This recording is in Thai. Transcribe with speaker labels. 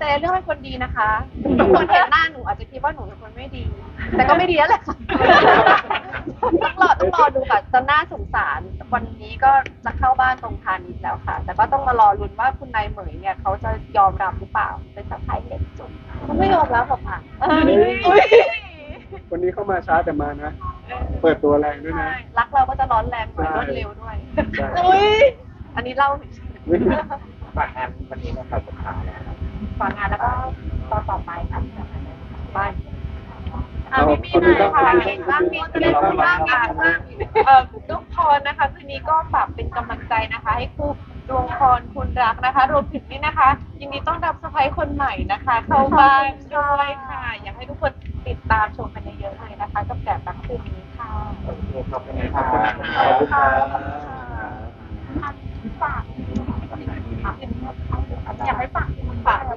Speaker 1: แต่เรื่องเป็นคนดีนะคะทุกคนเห็นหน้าหนูอาจจะคิดว่าหนูเป็นคนไม่ดี แต่ก็ไม่ดีแล้วแหละค่ะต้องรอดูค่ะจะน่าสงสารวันนี้ก็จะเข้าบ้านตรงพาณิชย์แล้วค่ะ แต่ก็ต้องมารอลุ้นว่าคุณนายเหมยเนี่ยเขาจะยอมรับหรือเปล่าเป็นสะใภ้เล็กสุดเขาไม่ยอมรับหรอกค่ะ
Speaker 2: คนนี้เข้ามาช้าแต่มานะ เปิดตัวแรงด้วยนะ
Speaker 1: รักเราก็จะร้อนแรงหน่อยรวดเร็วด้วย
Speaker 2: ใช่
Speaker 1: อันนี้เล่า
Speaker 3: ฝากงานวันนี้นะครับสุดท้ายแล้วครับ
Speaker 1: ฝากงานแล้วก็ต่อไปค่ะไป
Speaker 2: พี่หน่อยค่ะ
Speaker 1: บ้างมีจะได้พูดบ้างทุกคนนะคะคืนนี้ก็ฝากเป็นกำลังใจนะคะ ให้คู่ดวงพรคุณรักนะคะรวมถึงนี่นะคะยินดีต้อนรับสะใภ้คนใหม่นะคะ เข้าบ้านด้วยค่ะ อยากให้ทุกคนติดตามชมกันเยอะๆเลยนะคะกับแกะรักคืนนี้ค่ะ
Speaker 3: โอเคขอบคุณครับ
Speaker 2: ขอบคุณครับ
Speaker 1: ฝากอยากให้ฝาก